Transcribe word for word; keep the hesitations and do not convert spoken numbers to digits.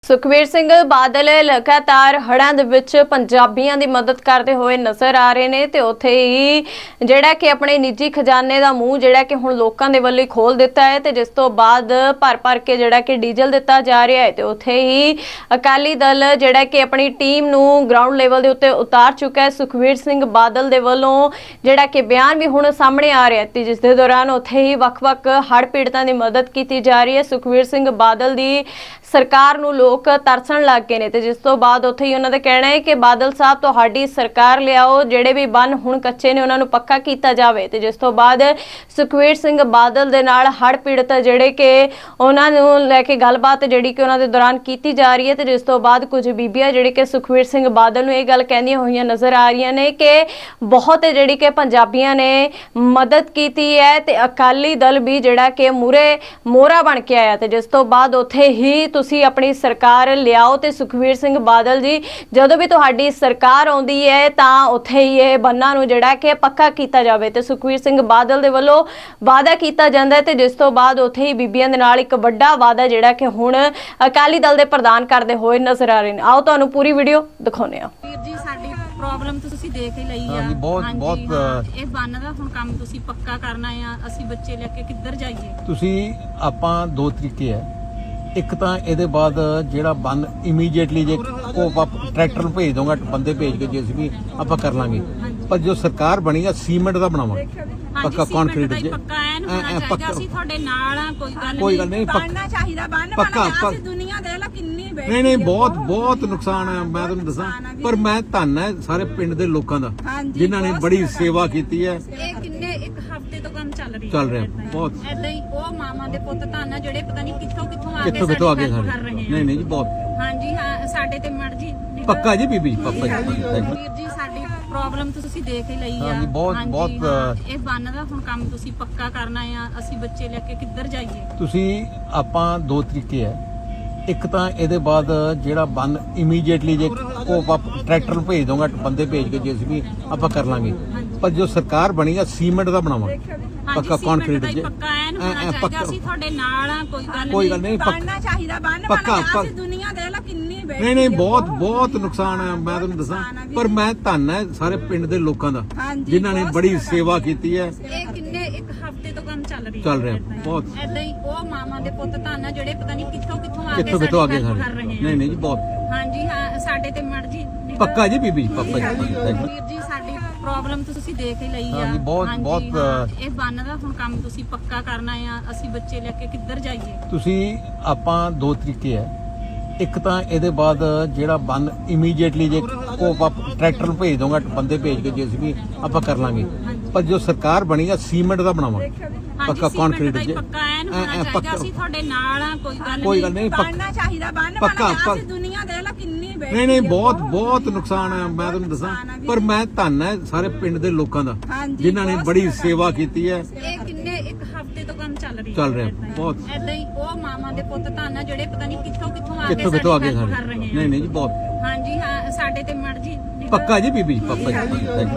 ਸੁਖਬੀਰ ਸਿੰਘ ਬਾਦਲ ਲਗਾਤਾਰ ਹੜ੍ਹਾਂ ਦੇ ਵਿੱਚ ਪੰਜਾਬੀਆਂ ਦੀ ਮਦਦ ਕਰਦੇ ਹੋਏ ਨਜ਼ਰ ਆ ਰਹੇ ਨੇ ਤੇ ਉੱਥੇ ਹੀ ਜਿਹੜਾ ਕਿ ਆਪਣੇ ਨਿੱਜੀ ਖਜ਼ਾਨੇ ਦਾ ਮੂੰਹ ਜਿਹੜਾ ਕਿ ਹੁਣ ਲੋਕਾਂ ਦੇ ਵੱਲੋਂ ਖੋਲ ਦਿੱਤਾ ਹੈ ਤੇ ਜਿਸ ਤੋਂ ਬਾਅਦ ਭਰ ਭਰ ਕੇ ਜਿਹੜਾ ਕਿ ਡੀਜ਼ਲ ਦਿੱਤਾ ਜਾ ਰਿਹਾ ਹੈ ਤੇ ਉੱਥੇ ਹੀ ਅਕਾਲੀ ਦਲ ਜਿਹੜਾ ਕਿ ਆਪਣੀ ਟੀਮ ਨੂੰ ਗਰਾਊਂਡ ਲੈਵਲ ਦੇ ਉੱਤੇ ਉਤਾਰ ਚੁੱਕਾ ਹੈ। ਸੁਖਬੀਰ ਸਿੰਘ ਬਾਦਲ ਦੇ ਵੱਲੋਂ ਜਿਹੜਾ ਕਿ ਬਿਆਨ ਵੀ ਹੁਣ ਸਾਹਮਣੇ ਆ ਰਿਹਾ ਤੇ ਜਿਸ ਦੇ ਦੌਰਾਨ ਉੱਥੇ ਹੀ ਵੱਖ-ਵੱਖ ਹੜ੍ਹ ਪੀੜਤਾਂ ਦੀ ਮਦਦ ਕੀਤੀ ਜਾ ਰਹੀ ਹੈ। ਸੁਖਬੀਰ ਸਿੰਘ ਬਾਦਲ ਦੀ ਸਰਕਾਰ ਨੂੰ ਲੋਕ ਤਰਸਣ ਲੱਗ ਗਏ ਨੇ ਤੇ ਜਿਸ ਤੋਂ ਬਾਅਦ ਉੱਥੇ ਹੀ ਉਹਨਾਂ ਦਾ ਕਹਿਣਾ ਹੈ ਕਿ ਬਾਦਲ ਸਾਹਿਬ ਤੁਹਾਡੀ ਸਰਕਾਰ ਲਿਆਓ, ਜਿਹੜੇ ਵੀ ਬੰਨ ਹੁਣ ਕੱਚੇ ਨੇ ਉਹਨਾਂ ਨੂੰ ਪੱਕਾ ਕੀਤਾ ਜਾਵੇ ਤੇ ਜਿਸ ਤੋਂ ਬਾਅਦ ਸੁਖਬੀਰ ਸਿੰਘ ਬਾਦਲ ਦੇ ਨਾਲ ਹੜ੍ਹ ਪੀੜਤ ਜਿਹੜੇ ਕਿ ਉਹਨਾਂ ਨੂੰ ਲੈ ਕੇ ਗੱਲਬਾਤ ਜਿਹੜੀ ਕਿ ਉਹਨਾਂ ਦੇ ਦੌਰਾਨ ਕੀਤੀ ਜਾ ਰਹੀ ਹੈ ਤੇ ਜਿਸ ਤੋਂ ਬਾਅਦ ਕੁਝ ਬੀਬੀਆਂ ਜਿਹੜੀ ਕਿ ਸੁਖਬੀਰ ਸਿੰਘ ਬਾਦਲ ਨੂੰ ਇਹ ਗੱਲ ਕਹਿੰਦੀਆਂ ਹੋਈਆਂ ਨਜ਼ਰ ਆ ਰਹੀਆਂ ਨੇ ਕਿ ਬਹੁਤ ਜਿਹੜੀ ਕਿ ਪੰਜਾਬੀਆਂ ਨੇ ਮਦਦ ਕੀਤੀ ਹੈ ਤੇ ਅਕਾਲੀ ਦਲ ਵੀ ਜਿਹੜਾ ਕਿ ਮੂਰੇ ਮੋਹਰਾ ਬਣ ਕੇ ਆਇਆ ਤੇ ਜਿਸ ਤੋਂ ਬਾਅਦ ਉੱਥੇ ਹੀ ਤੁਸੀਂ ਆਪਣੀ ਸਰਕਾਰ ਲਿਆਓ ਤੇ ਸੁਖਬੀਰ ਸਿੰਘ ਬਾਦਲ ਜੀ ਜਦੋਂ ਵੀ ਤੁਹਾਡੀ ਸਰਕਾਰ ਆਉਂਦੀ ਹੈ ਤਾਂ ਉੱਥੇ ਹੀ ਇਹ ਬੰਨਾਂ ਨੂੰ ਜਿਹੜਾ ਕਿ ਪੱਕਾ ਕੀਤਾ ਜਾਵੇ ਤੇ ਸੁਖਬੀਰ ਸਿੰਘ ਬਾਦਲ ਦੇ ਵੱਲੋਂ ਵਾਅਦਾ ਕੀਤਾ ਜਾਂਦਾ ਹੈ ਤੇ ਜਿਸ ਤੋਂ ਬਾਅਦ ਉੱਥੇ ਹੀ ਬੀਬੀਆਂ ਦੇ ਨਾਲ ਇੱਕ ਵੱਡਾ ਵਾਅਦਾ ਜਿਹੜਾ ਕਿ ਹੁਣ ਅਕਾਲੀ ਦਲ ਦੇ ਪ੍ਰਧਾਨ ਕਰਦੇ ਹੋਏ ਨਜ਼ਰ ਆ ਰਹੇ ਨੇ। ਆਓ ਤੁਹਾਨੂੰ ਪੂਰੀ ਵੀਡੀਓ ਦਿਖਾਉਂਦੇ ਹਾਂ। ਵੀਰ ਜੀ ਸਾਡੀ ਪ੍ਰੋਬਲਮ ਤੁਸੀਂ ਦੇਖ ਹੀ ਲਈ ਆ। ਹਾਂਜੀ ਬਹੁਤ ਬਹੁਤ ਇਹ ਬੰਨ ਦਾ ਹੁਣ ਕੰਮ ਤੁਸੀਂ ਪੱਕਾ ਕਰਨਾ ਆ। ਅਸੀਂ ਬੱਚੇ ਲੈ ਕੇ ਕਿੱਧਰ ਜਾਈਏ? ਤੁਸੀਂ ਆਪਾਂ ਦੋ ਤਰੀਕੇ ਹੈ। ਇੱਕ ਤਾਂ ਇਹਦੇ ਬਾਅਦ ਜਿਹੜਾ ਬੰਨ ਇਮੀਡੀਏਟਲੀ ਜੇ ਉਹ ਆਪਾਂ ਟਰੈਕਟਰ ਨੂੰ ਭੇਜ ਦੋਗਾ, ਬੰਦੇ ਭੇਜ ਕੇ ਜੇਸੀਬੀ ਆਪਾਂ ਕਰ ਲਾਂਗੇ। ਪਰ ਜੋ ਸਰਕਾਰ ਬਣੀ ਆ ਸੀਮੈਂਟ ਦਾ ਬਣਾਵਾਂਗੇ, ਪੱਕਾ ਕੰਕਰੀਟ ਜੇ ਪੱਕਾ ਐਨ ਹੋਣਾ ਚਾਹੀਦਾ। ਅਸੀਂ ਤੁਹਾਡੇ ਨਾਲ ਆ, ਕੋਈ ਗੱਲ ਕੋਈ ਗੱਲ ਨਹੀਂ, ਬਣਨਾ ਚਾਹੀਦਾ। ਬੰਨ ਪੱਕਾ ਅਸੀਂ ਦੁਨੀਆ ਦੇ ਲਾ ਕਿੰਨੀ ਬੈਠੀ ਨਹੀਂ ਨਹੀਂ ਬਹੁਤ ਬਹੁਤ ਨੁਕਸਾਨ ਹੈ, ਮੈਂ ਤੁਹਾਨੂੰ ਦੱਸਾਂ। ਪਰ ਮੈਂ ਧੰਨ ਹੈ ਸਾਰੇ ਪਿੰਡ ਦੇ ਲੋਕਾਂ ਦਾ ਜਿਨ੍ਹਾਂ ਨੇ ਬੜੀ ਸੇਵਾ ਕੀਤੀ ਹੈ। ਇਹ ਕਿੰਨੇ ਇੱਕ ਹਫ਼ਤੇ ਤੋਂ ਕੰਮ ਚੱਲ ਰਹੀ ਚੱਲ ਰਿਹਾ ਬਹੁਤ। ਐਦਾਂ ਹੀ ਉਹ ਮਾਮਾ ਦੇ ਪੁੱਤ ਧੰਨ ਆ ਜਿਹੜੇ ਪਤਾ ਨਹੀਂ ਕਿੱਥੋਂ ਕਿੱਥੋਂ ਆ ਕੇ ਕਿੱਥੋਂ ਕਿੱਥੋਂ ਆ ਕੇ ਕਰ ਸਾਡੇ ਰਹੇ ਨੇ। ਨਹੀਂ ਨਹੀਂ ਜੀ ਬਹੁਤ ਹਾਂਜੀ ਹਾਂ ਸਾਡੇ ਤੇ ਮਰਜੀ ਪੱਕਾ ਜੀ ਬੀਬੀ ਪੱਕਾ ਜੀ। ਵੀਰ ਜੀ ਸਾਡੀ ਪ੍ਰੋਬਲਮ ਤੁਸੀਂ ਦੇਖ ਹੀ ਲਈ ਆ। ਹਾਂਜੀ ਬਹੁਤ ਬਹੁਤ ਇਹ ਬੰਨ ਦਾ ਹੁਣ ਕੰਮ ਤੁਸੀਂ ਪੱਕਾ ਕਰਨਾ ਆ। ਅਸੀਂ ਬੱਚੇ ਲੈ ਕੇ ਕਿੱਧਰ ਜਾਈਏ? ਤੁਸੀਂ ਆਪਾਂ ਦੋ ਤਰੀਕੇ ਹੈ। ਇੱਕ ਤਾਂ ਇਹਦੇ ਬਾਅਦ ਜਿਹੜਾ ਬੰਨ ਇਮੀਡੀਏਟਲੀ ਜੇ ਉਹ ਆਪਾਂ ਟਰੈਕਟਰ ਨੂੰ ਭੇਜ ਦੋਗਾ, ਬੰਦੇ ਭੇਜ ਕੇ ਜੇਸੀਬੀ ਆਪਾਂ ਕਰ ਲਾਂਗੇ। ਪਰ ਜੋ ਸਰਕਾਰ ਬਣੀ ਆ ਸੀਮੈਂਟ ਦਾ ਬਣਾਵਾਂਗੇ, ਪੱਕਾ ਕੰਕਰੀਟ ਜੇ ਪੱਕਾ ਐਨ ਹੋਣਾ ਚਾਹੀਦਾ। ਅਸੀਂ ਤੁਹਾਡੇ ਨਾਲ ਆ, ਕੋਈ ਗੱਲ ਕੋਈ ਗੱਲ ਨਹੀਂ, ਬਣਨਾ ਚਾਹੀਦਾ। ਬੰਨ ਪੱਕਾ ਅਸੀਂ ਦੁਨੀਆ ਦੇ ਲਾ ਕਿੰਨੀ ਬੈਠੀ ਨਹੀਂ ਨਹੀਂ ਬਹੁਤ ਬਹੁਤ ਨੁਕਸਾਨ ਹੈ, ਮੈਂ ਤੁਹਾਨੂੰ ਦੱਸਾਂ। ਪਰ ਮੈਂ ਧੰਨ ਹੈ ਸਾਰੇ ਪਿੰਡ ਦੇ ਲੋਕਾਂ ਦਾ ਜਿਨ੍ਹਾਂ ਨੇ ਬੜੀ ਸੇਵਾ ਕੀਤੀ ਹੈ। ਇਹ ਕਿੰਨੇ ਇੱਕ ਹਫ਼ਤੇ ਤੋਂ ਕੰਮ ਚੱਲ ਰਹੀ ਚੱਲ ਰਿਹਾ ਬਹੁਤ। ਐਦਾਂ ਹੀ ਉਹ ਮਾਮਾ ਦੇ ਪੁੱਤ ਧੰਨ ਆ ਜਿਹੜੇ ਪਤਾ ਨਹੀਂ ਕਿੱਥੋਂ ਕਿੱਥੋਂ ਆ ਕੇ ਕਿੱਥੋਂ ਕਿੱਥੋਂ ਆ ਕੇ ਕਰ ਸਾਡੇ ਰਹੇ ਨੇ। ਨਹੀਂ ਨਹੀਂ ਜੀ ਬਹੁਤ ਹਾਂਜੀ ਹਾਂ ਸਾਡੇ ਤੇ ਮਰਜੀ ਪੱਕਾ ਜੀ ਬੀਬੀ ਪੱਕਾ ਜੀ। ਵੀਰ ਜੀ ਸਾਡੀ ਪ੍ਰੋਬਲਮ ਤੁਸੀਂ ਦੇਖ ਹੀ ਲਈ ਆ। ਹਾਂਜੀ ਬਹੁਤ ਬਹੁਤ ਇਹ ਬੰਨ ਦਾ ਹੁਣ ਕੰਮ ਤੁਸੀਂ ਪੱਕਾ ਕਰਨਾ ਆ। ਅਸੀਂ ਬੱਚੇ ਲੈ ਕੇ ਕਿੱਧਰ ਜਾਈਏ? ਤੁਸੀਂ ਆਪਾਂ ਦੋ ਤਰੀਕੇ ਹੈ। ਇੱਕ ਤਾਂ ਇਹਦੇ ਬਾਅਦ ਜਿਹੜਾ ਬੰਨ ਇਮੀਡੀਏਟਲੀ ਜੇ ਉਹ ਆਪਾਂ ਟਰੈਕਟਰ ਨੂੰ ਭੇਜ ਦੋਗਾ, ਬੰਦੇ ਭੇਜ ਕੇ ਜੇਸੀਬੀ ਆਪਾਂ ਕਰ ਲਾਂਗੇ। ਪਰ ਜੋ ਸਰਕਾਰ ਬਣੀ ਆ ਸੀਮੈਂਟ ਦਾ ਬਣਾਵਾਂਗੇ, ਪੱਕਾ ਕੰਕਰੀਟ ਜੇ ਪੱਕਾ ਐਨ ਹੋਣਾ ਚਾਹੀਦਾ। ਅਸੀਂ ਤੁਹਾਡੇ ਨਾਲ ਆ, ਕੋਈ ਗੱਲ ਕੋਈ ਗੱਲ ਨਹੀਂ, ਬਣਨਾ ਚਾਹੀਦਾ। ਬੰਨ ਪੱਕਾ ਅਸੀਂ ਦੁਨੀਆ ਦੇ ਲਾ ਕਿੰਨੀ ਬੈਠੀ ਨਹੀਂ ਨਹੀਂ ਬਹੁਤ ਬਹੁਤ ਨੁਕਸਾਨ ਹੈ, ਮੈਂ ਤੁਹਾਨੂੰ ਦੱਸਾਂ। ਪਰ ਮੈਂ ਧੰਨ ਹੈ ਸਾਰੇ ਪਿੰਡ ਦੇ ਲੋਕਾਂ ਦਾ ਜਿਨ੍ਹਾਂ ਨੇ ਬੜੀ ਸੇਵਾ ਕੀਤੀ ਹੈ। ਇਹ ਕਿੰਨੇ ਇੱਕ ਹਫ਼ਤੇ ਤੋਂ ਕੰਮ ਚੱਲ ਰਹੀ ਚੱਲ ਰਿਹਾ ਬਹੁਤ। ਐਦਾਂ ਹੀ ਉਹ ਮਾਮਾ ਦੇ ਪੁੱਤ ਧੰਨ ਆ ਜਿਹੜੇ ਪਤਾ ਨਹੀਂ ਕਿੱਥੋਂ ਕਿੱਥੋਂ ਆ ਕੇ ਕਿੱਥੋਂ ਕਿੱਥੋਂ ਆ ਕੇ ਕਰ ਸਾਡੇ ਰਹੇ ਨੇ। ਨਹੀਂ ਨਹੀਂ ਜੀ ਬਹੁਤ ਹਾਂਜੀ ਹਾਂ ਸਾਡੇ ਤੇ ਮਰਜੀ ਪੱਕਾ ਜੀ ਬੀਬੀ ਪੱਕਾ ਜੀ।